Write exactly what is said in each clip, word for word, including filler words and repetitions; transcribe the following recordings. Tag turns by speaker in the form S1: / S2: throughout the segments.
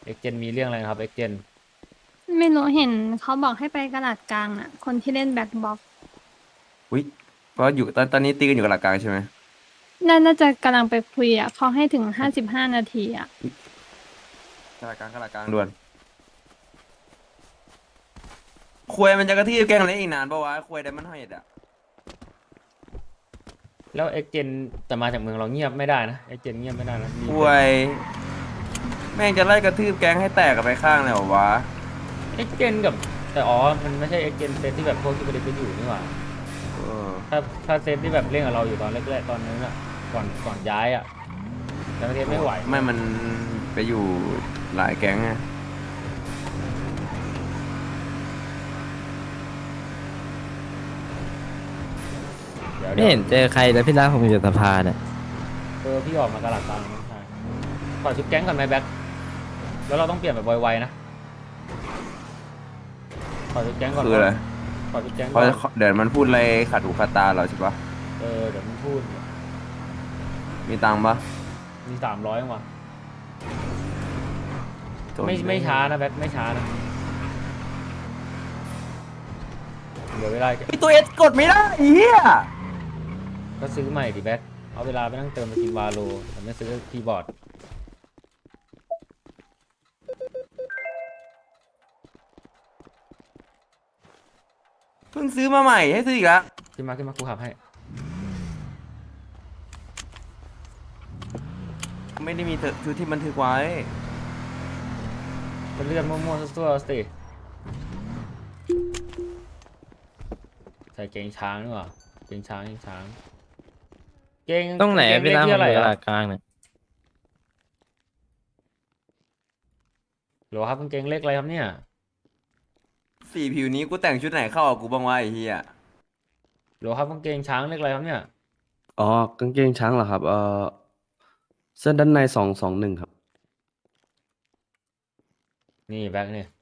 S1: เอ็กเจนมีเรื่องอะไรครับเอ็กเจน
S2: ไม่รู้เห็นเขาบอกให้ไปกระดาษกลางน่ะคนที่เล่นแบ็คบ็อก
S3: อุ้ยเพราะอยู่ตอนตอนนี้ตีกันอยู่กับหลักกลางใช่ไหม
S2: น่าน่าจะกำลังไปคุยอ่ะเขาให้ถึงห้าสิบห้านาทีอ่ะ
S3: กับหลักกลางกับหลักกลางด่วนควยมันจะกระทืบแกงอะไรอีกนานปะวะควยไดมันเฮดอะ
S1: แล้วเอ็กเจนแต่มาจากเมืองเราเงียบไม่ได้นะเอ็กเจนเงียบไม่ได้นะมี
S3: ควยแม่งจะไล่กระทืบแกงให้แตกกันไปข้างเลยเหรอวะ
S1: เอ็กเจนกับแต่อ๋อมันไม่ใช่เอ็กเจนเซตที่แบบพวกที่ประเด็นไปอยู่นี่หว่า
S3: เออ
S1: ถ้าถ้าเซตที่แบบเล่นกับเราอยู่ตอนแรกๆตอนนั้นอ่ะก่อนก่อนย้ายอ่ะแต่ประเทศไม่ไหว
S3: ไม่มันไปอยู่หลายแก๊งไง
S1: เดี๋ยว
S4: ไม่
S1: เดี๋ยว
S4: เห็นเจอใครแล้วพี่รักผมอยู่สภาเนี่ย
S1: เออพี่ออกมากระหลัดตังค์ใช่ขอชุดแก๊งก่อนไหมแบ็คแล้วเราต้องเปลี่ยนแบบไวๆนะขอชุดแก๊งก่อน
S3: คืออะไร
S1: ขอชุดแก๊ง
S3: เพ
S1: ก่อ
S3: ราะ
S1: น
S3: เดี๋ยวมันพูดอะไรขัดหูขัดตาเราใช่ปะ
S1: เออเดี๋ยวมันพูด
S3: มีตังค์ปะ
S1: มีสามร้อยว่ะ
S3: จน
S1: ไม่ไม่ช้านะแบ็คไม่ช้านะเดี๋ยวเวลา
S3: ไอตัวเอสกดไม่ได้ไอ้เหี้ย
S1: ก็ซื้อใหม่ดิแบ็คเอาเวลาไปนั่งเติมไปกินวาโลแต่ไม่ซื้อคีย์บอร์ด
S3: เพิ่งซื้อมาใหม่ให้ซื้ออีกแล้ว
S1: ขึ้นมาขึ้นมากูขับให้
S3: ไม่ได้มีเถอะชุดที่บันทึกไว้
S1: ก็เลื่อนมั่วๆซั่วๆสิใส่เกงช้างดีกว่าเกงช้างเกงช้างเกง
S4: ตรงไหน
S1: เกง
S4: พี่
S1: เล็ก
S4: รักผ
S1: ที่
S4: ม
S1: อะไร
S4: อยู่ต
S1: อ่ะ
S4: ลาดกลางเนี่ย
S1: หรอครับกางเกงเล็กอะไรครับเนี่ย
S3: สีผิวนี้กูแต่งชุดไหนเข้ากับกูบ้างวะไอ้เหี้ย
S1: หรอครับกางเกงช้างเล็กอะไรครับเนี่ย
S5: อ๋อกางเกงช้างเหรอครับเออเสื้อด้านในสองสองหนึ่งครับ
S1: นี่แบ็คเนี่ย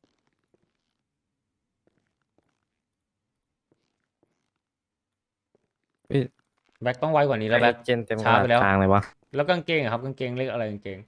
S4: พี่
S1: แบ็คต้องไวกว่านี้แล้วแบ็ค
S4: เจนเต็มต
S1: ช้า
S4: ลา
S1: ไป
S4: ด
S1: แล้ว
S4: กลางเลยวะ
S1: แล้วกางเกงอะครับกางเกงเล็กอะไรกางเกง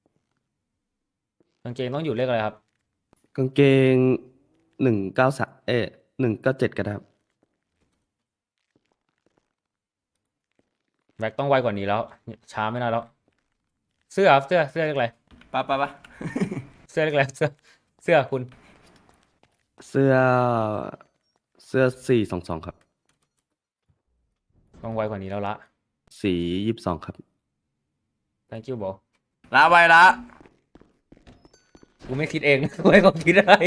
S1: กางเกงต้องอยู่เลขอะไรครับ
S5: กางเกงหนึ่งเก้าสามเอ๊หนึ่งเก้าเจ็ดก็ได้ครับ
S1: แบ็คต้องไวกว่านี้แล้วช้าไม่ได้แล้วเสื้อครับเสื้อเสื้อเลขอะไร
S3: ปะปะปะ
S1: เสื้อเลขอะไรเสื้อเสื้อคุณ
S5: เสื้อเสื้อสี่สองสองครับ
S1: ต้องไวกว่านี้แล้วละ
S5: สียี่สิบสองครับ
S1: thank you บอก
S3: ลาไปละ
S1: กูไม่คิดเอง กูให้เขาคิดอะไร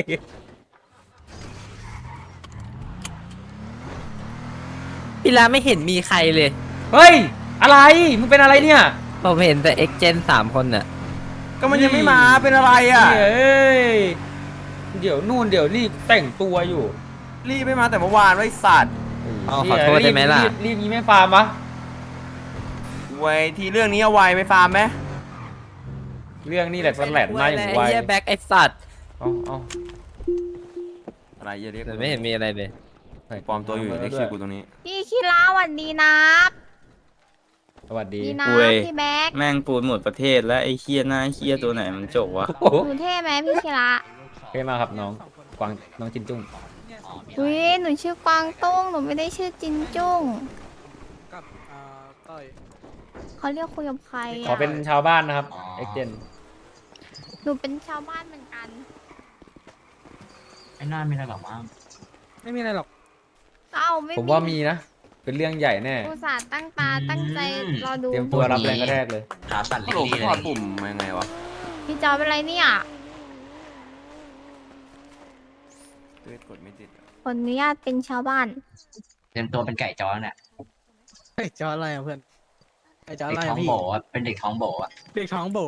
S4: พี่รักไม่เห็นมีใครเลย
S1: เฮ้ยอะไรมึงเป็นอะไรเนี่ย
S4: ผมเห็นแต่เอ็กเจนสามคนน่ะ
S3: ก็มันยังไม่มาเป็นอะไรอ่ะ
S1: เฮ้ยเดี๋ยวนู่นเดี๋ยวนี่แต่งตัวอยู่
S3: รีบไม่มาแต่เมื่อวานไว้สัตว์
S4: อ๋อขอโทษได้ไหมล่ะ
S1: รีบรีบนี้ไม่ฟาร์มปะ
S3: ไว้ทีเรื่องนี้เอาไว้ไม่ฟาร์มไหม
S1: เรื่องนี้แหละสแลดหน้าอย่างไว
S4: ไอ้เหี้ยแบ็คไอ้สัตว์
S1: เอาเอา
S3: อะไรอย่าเรียก
S4: แต่ไม่เห็นมีอะไรเลย
S3: ปลอมตัวอยู่เรียกชื่อกูตรงนี้
S6: พี่คิราหวันดีนะ
S1: สวัสดี
S6: ดีนะ
S7: อุ้ย
S6: พี่แบ็ค
S7: แม่งปูนหมดประเทศแล้วไอ้เคียหน้าเคียตัวไหนมันจบวะ
S1: โอ้โห
S6: หนูเท่ไหมพี่คิระ
S1: เท่มากครับน้องกวางน้องจินจุ้ง
S6: อุ้ยหนูชื่อกวางตุ้งหนูไม่ได้ชื่อจินจุ้ง
S8: กับอ่าต้อย
S6: เขาเรียกคุยกับใคร
S1: ขอ
S6: อ่ะ
S1: เป็นชาวบ้านนะครับเอ็กเจน
S6: หนูเป็นชาวบ้านเหมือนกัน
S9: ไอ้น่าไม่ได้หรอกมั้ง
S8: ไม่มีอะไรหรอก
S6: เอ้าไม่
S1: ผมว่ามีนะ เป็นเรื่องใหญ่แน่
S6: อุตส่าห์ตั้งตาตั้งใจรอดู
S1: เตรียมตัวรับแรงกระแทกเลย
S9: ขาสั่น
S3: โหล
S9: เล็กๆ
S3: ถ
S9: เล
S3: อด
S9: ย
S3: ปุ่มมายังไงวะ
S6: พี่จอเป็นไรเนี่ย
S3: ตัวเอสกดไม่ติดอะ
S6: ขออนุญาตเป็นชาวบ้าน
S9: เตรียมตัวเป็นไก่จ้อเนี่ย
S8: ไอ้จออะไรอ่ะเพื่อนไอ้จอ
S9: เด็
S8: อะ
S9: ก
S8: ไร
S9: ท้อ
S8: อ่ะ
S9: ง
S8: พี่
S9: โบอะเป็นเด็กท้องโบอะ
S8: เด็กท้องโบ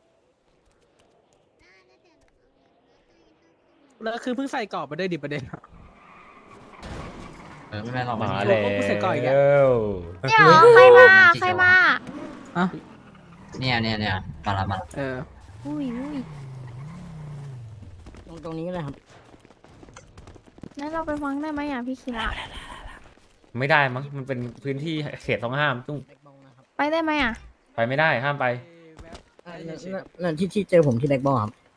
S8: แล้วคือเพิ่งใส่กรอบมาได้วยดิประเด็นอะ
S9: เออไม่เป็นไรหรอก
S1: มา
S9: ไ
S1: แล้ว
S8: กูใส่ก่อนอีกอะ
S6: เดี๋ยวใครมาใครมา
S9: เนี่ยเนี่ยเนี่ยมาละมาละ
S8: เออ
S6: อุ้ยอุ้ย
S8: ตรงตรงนี้เลยครับ
S6: งั้นเราไปฟังได้ไหมอ่ะพี่คิระ
S1: ไม่ได้มั้งมันเป็นพื้นที่เขตต้องห้ามจุ้ง
S6: ไปได้ไหมอ่ะ
S1: ไปไม่ได้ห้ามไป
S8: เอ้ย
S10: นั่นที่ที่เจอผมที่แบ็กบอลครับ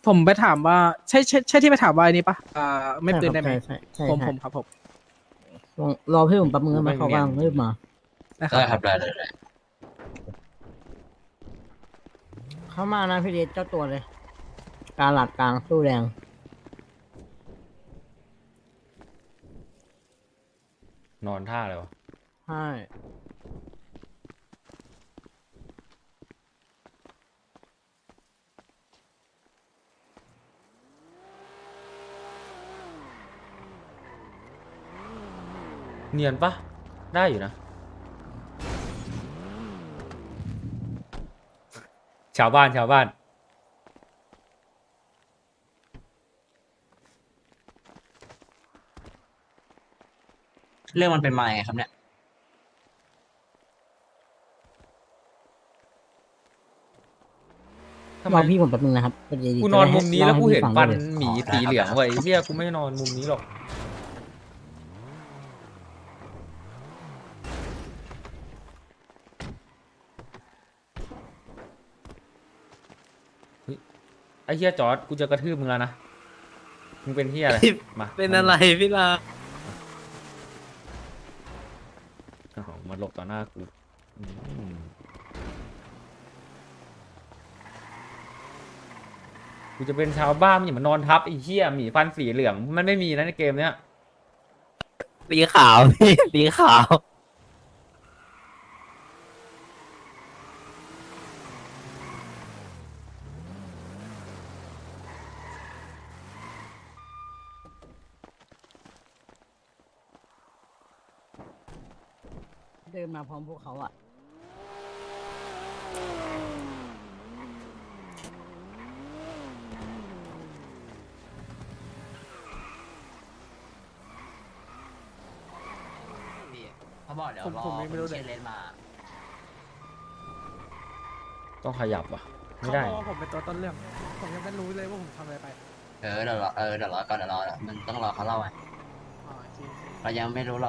S8: ผมไปถามว่าใช่ใช่ใช่ที่ไปถามว่าอันนี้ปะอ่าไม่ปืนได้ไหม
S10: ใช่ใช่
S8: ผม
S10: ใช่
S8: ผมครับผม
S10: ลองรอพี่ผมแป๊บนึงนะ
S1: ไม่
S10: มาเขา
S1: เนียน
S10: ว่างรีบมา
S8: นะค
S9: ได้
S8: รับ
S9: ครับได้ได้ได้
S10: เข้ามานะพี่เดชเจ้าตัวเลย การหลัดกลางสู้แรง
S1: นอนท่าเลยวะ
S10: ใช่
S1: เนียนปะได้อยู่นะ ชาวบ้านชาวบ้าน
S9: เรื่องมันเป็นมาไงครับเนี่ย
S1: ทำไม
S10: รอพี่ผมแป๊บนึงนะครับพอดี
S1: กูนอนมุมนี้แล้ว
S10: จะ
S1: กู
S10: ได้
S1: เห็น
S10: ล่า
S1: ฟัน
S10: ให้พี่
S1: หมี
S9: อ๋อได้
S1: สี
S9: ครับ
S1: เหลืองไว้ยเฮียกูไม่นอนมุมนี้หรอก ไอ้เฮียจอร์ดกูจะกระทืบมึงแล้วนะ มึงเป็นเฮียอะไร มา
S4: เป็นอะไรพี่ลา
S1: อ๋อมาหลบต่อหน้ากูอืมกูจะเป็นชาวบ้านมึงอย่ามานอนทับไอ้เฮียหมีฟันสีเหลือง มันไม่มีนะในเกมเนี้ย
S4: สีขาวพี่สีขาว
S10: เดินมาพร้อมพวกเขาอ่ะ
S9: พี่เขาบอกเดี๋ยว
S8: ผม
S9: รอ
S8: ผมยังไม่รู้เลย
S9: เชนเลนมา
S1: ต้องขยับว่ะ ไม่
S8: เขา
S1: ได้
S8: บอกว่าผมเป็นตัวต้นเรื่อง ผมยังไม่รู้เลยว่าผมทำอะไรไป
S9: เออเดี๋ยวรอเออเดี๋ยวรอก่อนเดี๋ยวรอมันต้องรอเขาเล่าไง
S8: อ๋อจริง
S9: เรายังไม่รู้หรอก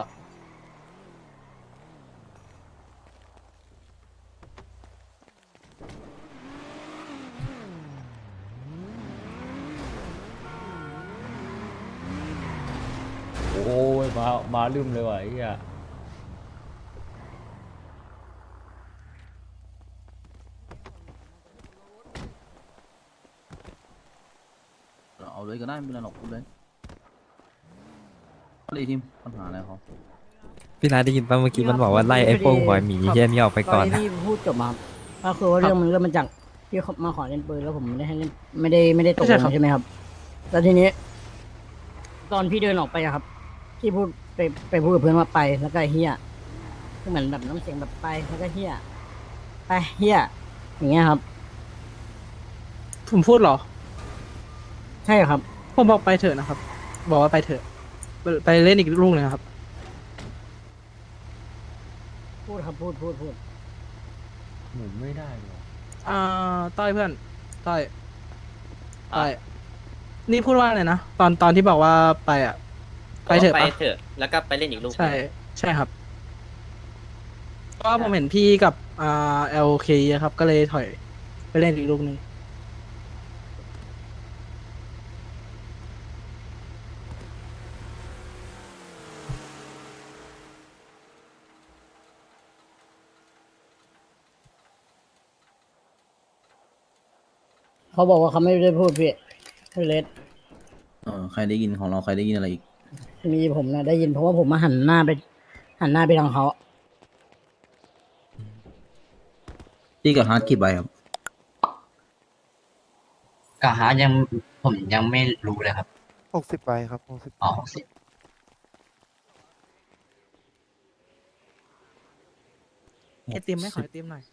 S1: โอ้ยมา มาลืมเลยว่ะไอ้เหี้ย
S3: เอาเลยก็ได้ไม่เป็นไรหรอกพูดเลยอะไรทีมปัญหาอะไรเขา
S4: พี่ลาได้ยินป่ะเมื่อกี้มันบอกว่าไล่ไอ้พวกหัวหมีเฮี้ยนี่ออกไปก่อน
S10: ตอนที่พี่พูดจบมาครับก็คือว่าเรื่องมันเริ่มมาจากพี่เขามาขอเล่นปืนแล้วผมไม่ได้ให้เล่นไม่ได้ไม่ได้ตกลงใช่ไหมครับ แล้วทีนี้ ตอนพี่เดินออกไปอะครับพี่พูดไปไปพูดกับเพื่อนว่าไปแล้วก็เฮียคือเหมือนแบบน้ำเสียงแบบไปแล้วก็เฮียไปเฮียอย่างเงี้ยครับ
S8: ผมพูดเหรอ
S10: ใช่ครับ
S8: ผมบอกไปเถอะนะครับ บอกว่าไปเถอะ ไปไปเล่นอีกลูกหนึงครับ
S10: พูดครับพูดพูดพูด
S1: หมุนไม่ได้เลยว่ะ
S8: อ่าต้อยเพื่อนต้อยต้อยนี่พูดว่าอะไรนะตอนตอนที่บอกว่าไปอ่ะ ไปเถอะ
S4: ไป
S8: ปะ
S4: เถอะ แล้วก็ไปเล่นอีกลูก
S8: ใช่ใช่ครับเพราะว่าผมเห็นพี่กับอ่าเอลเคครับ ก็เลยถอยไปเล่นอีกลูกหนึง
S10: เขาบอกว่าเขาไม่ได้พูดพี่พี่เลส
S3: เออใครได้ยินของเราใครได้ยินอะไรอีก
S10: มีผมนะได้ยินเพราะว่าผมมาหันหน้าไป หันหน้าไปทางเขา
S3: ที่กับฮาร์ดกี่ใบครับ
S9: กะหายังผมยังไม่รู้เลยครับ
S11: หกสิบใบครับหกสิบ
S9: อ๋อสิ
S8: ไอติมไหม่ขอไอติมหน่อย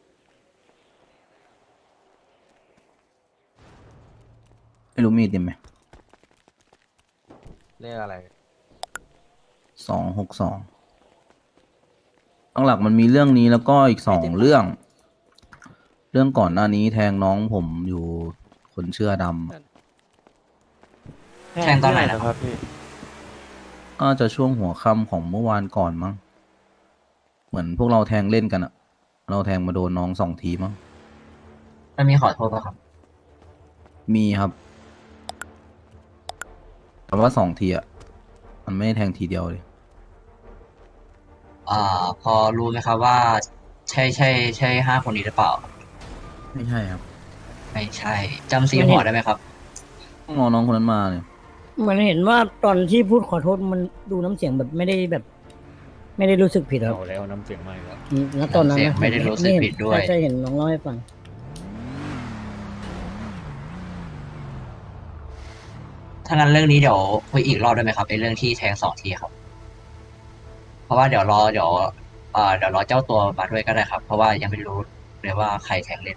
S3: ไม่รู้มีเต็มไหม
S4: เรื่องอะไร
S3: สองหกสองตั้งหลักมันมีเรื่องนี้แล้วก็อีกสองเรื่อง เรื่องก่อนหน้านี้แทงน้องผมอยู่คนเชื่อดำ
S9: แทงตอนไหนนะ
S11: นะ
S9: ค
S11: ครับ รับพี่
S3: ก็จะช่วงหัวค่ำของเมื่อวานก่อนมั้ง เหมือนพวกเราแทงเล่นกันอะเราแทงมาโดนน้องสองทีมั้ง
S9: มันมีขอโทษป่ะครับ
S3: มีครับแต่ว่าสองทีอ่ะมันไม่ได้แทงทีเดียวเลย
S9: อ่า พอรู้ไหมครับว่า ใช่ใช่ใช่ห้าคนนี้หรือเปล่า
S3: ไม่ใช่ครับ
S9: ไม่ใช่จำสีหัวได้ไหมครับ
S3: ต้องรอน้องคนนั้นมาเนี่ย
S10: เหมือนเห็นว่าตอนที่พูดขอโทษมันดูน้ำเสียงแบบไม่ได้แบบ ไม่ได้รู้สึกผิดครับ
S1: เอาแล้วน้ำเสียงไม่แล้ว
S10: อืมแล้วตอนนั้น
S9: น้ำเสียง
S10: นะ
S9: ไม่ได้รู้สึกผิดด้วย
S10: ใช่ใช่เห็นน้องเล่าให้ฟัง
S9: ถ้างั้นเรื่องนี้เดี๋ยวคุยอีกรอบได้ไหมครับไอ้เรื่องที่แทงสองทีครับ เพราะว่าเดี๋ยวรอเดี๋ยวเอ่อเดี๋ยวรอเจ้าตัวมาด้วยก็ได้ครับ เพราะว่ายังไม่รู้เลยว่าใครแทงเล่น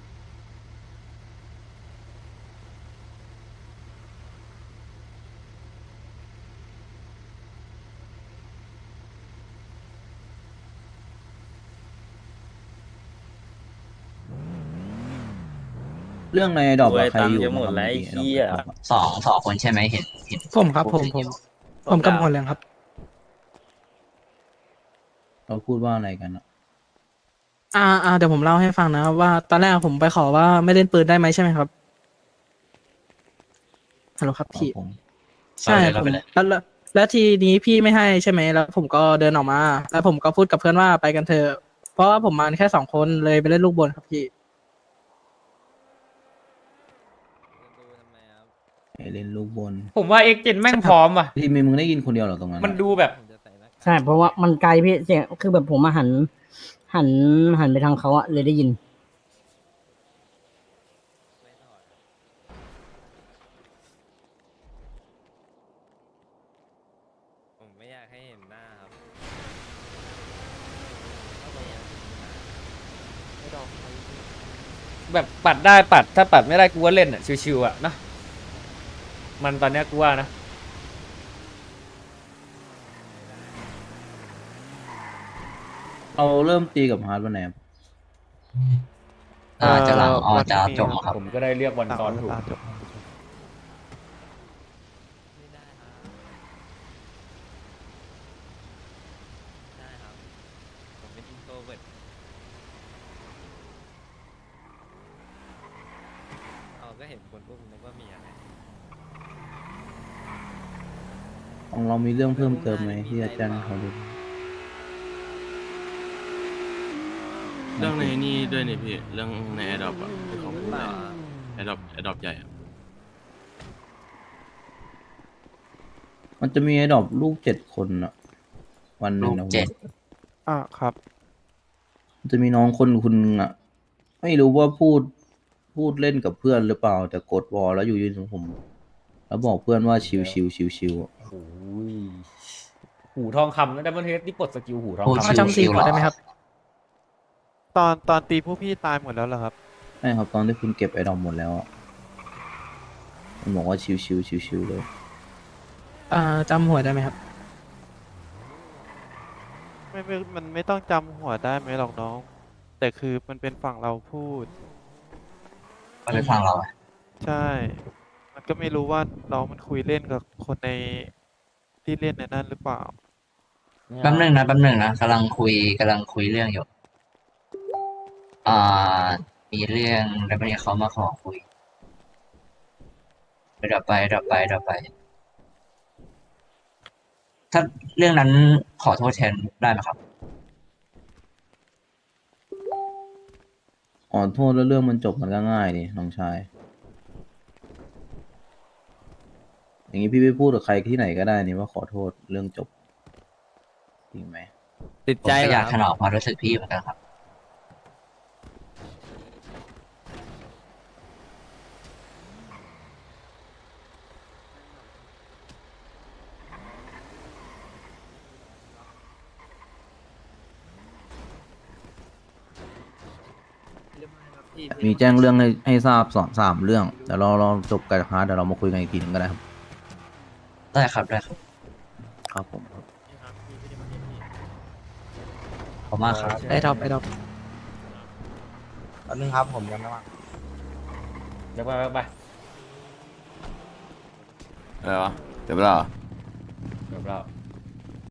S3: เรื่องในดอก
S7: โอ้ย
S3: ใครอยู่
S7: ตังค์จะหมดแล้วไอ้เหี้ย
S9: สองสองคนใช่ไหมเห็นเห็น
S8: ผมครับผมผม ผมกับหมดเลยครับ
S3: เราพูดว่าอะไรกันอะ
S8: อ่าอ่าเดี๋ยวผมเล่าให้ฟังนะครับว่าตอนแรกผมไปขอว่าไม่เล่นปืนได้ไหมใช่ไหมครับฮัลโหลครับพี่
S3: ผม
S8: ใช่ผมแล้วแล้วแล้วทีนี้พี่ไม่ให้ใช่ไหมแล้วผมก็เดินออกมา แล้วผมก็พูดกับเพื่อนว่าไปกันเถอะเพราะว่าผมมาแค่สองคนเลยไปเล่นลูกบอลครับพี่
S3: ไอเล่นลูกบน
S1: ผมว่าเอ็กเจนแม่งพร้อมว่ะ
S3: ที่มีมึงได้ยินคนเดียวเหรอตรงนั้นอะ
S1: มันดูแบบ
S10: ใช่เพราะว่ามันไกลพี่เสียงคือแบบผมมาหัน หันหันไปทางเขาอะเลยได้ยิน
S4: ผมไม่อยากให้เห็นหน้าครับ
S1: แบบปัดได้ปัดถ้าปัดไม่ได้กูว่าเล่นอ่ะชิวๆอ่ะนะมันตอนเนี้ยกูว่านะ
S3: เราเริ่มตีกับฮาร์ดวันไหนครับ
S9: อ่าจะหลังออจะจบครับ
S1: ผมก็ได้เรียกวันซ้อนถูก
S4: ได้ครับ ผมเป็นอินโทรเวิร์ตเอาก็เห็นคนพวกนึกว่ามีอะไร
S3: ของเรามีเรื่องเพิ่มเติมไหมที่จะแจ้งให้เขาดู
S5: เรื่องในนี่ด้วยนี่พี่ เรื่องในแอดดอปอะที่เขาพูดในแอดดอปแอดดอปใหญ่อะ
S3: มันจะมีไอ้ดอกลูกเจ็ดคนอะวันหนึ่งนะ
S9: ลูกเจ็ด
S5: อ่าครับ
S3: มันจะมีน้องคนคุณนึงอะไม่รู้ว่าพูดพูดเล่นกับเพื่อนหรือเปล่าแต่กดวอลแล้วอยู่ยืนของผม แล้วบอกเพื่อนว่าชิวชิวชิวชิวๆอะ
S1: โอ้ยหูทองคำนะดับเบิลเฮดที่ปลดสกิลหูทอง
S9: พูด
S1: คำ
S8: มาจำสีหัวได้ไหมครับ
S5: ตอนตอนตีผู้พี่ตายหมดแล้วเหรอครับ
S3: ใช่ครับตอนที่คุณเก็บไอ้ดอกหมดแล้วอะมันบอกว่าชิวชิวชิวชิวๆเลย
S8: อ่าจำหัวได้ไหมครับ
S5: ไม่ไม่มันไม่ต้องจำหัวได้ไหมหรอกน้อง แต่คือมันเป็นฝั่งเราพูด
S9: มันเป็นฝั่งเราอะ
S5: ใช่ มันก็ไม่รู้ว่าน้องมันคุยเล่นกับคนในที่เล่นในนั้นหรือเปล่า
S9: แป๊บหนึงนะแป๊บหนึงนะกำลังคุยกำลังคุยเรื่องอยู่ อ่า มีเรื่องแล้ววันนี้เขามาขอคุยเดี๋ยวไปเดี๋ยวไปเดี๋ยวไป ถ้าเรื่องนั้นขอโทษแทนได้ไหมครับ
S3: อ๋อโทษแล้วเรื่องมันจบมันก็ง่ายดิน้องชาย อย่างนี้พี่ไปพูดกับใครที่ไหนก็ได้นี่ว่าขอโทษเรื่องจบจริงไหม
S4: ติด
S9: ผม
S4: ใจ
S9: ก็
S4: เหร
S9: อยา
S4: อก
S9: ถนอมความรู้สึกพี่เหมือนกันครับ
S3: มีแจ้งเรื่องให้ให้ทราบสองสามเรื่องเดี๋ยวเราเราจบกับฮาร์ดเดี๋ยวเรามาคุยกันอีกทีหนึงก็ได้ครับ
S9: ได้ครับได้ครับ
S3: ครับผมครับ
S9: ขอบคุณมากครับ
S8: ไอ้ดอกไอ้ดอก
S1: เดี๋ยวไปไปไป
S5: อะไรวะ เดี๋ยวเปล่า
S1: เดี๋ยวเรา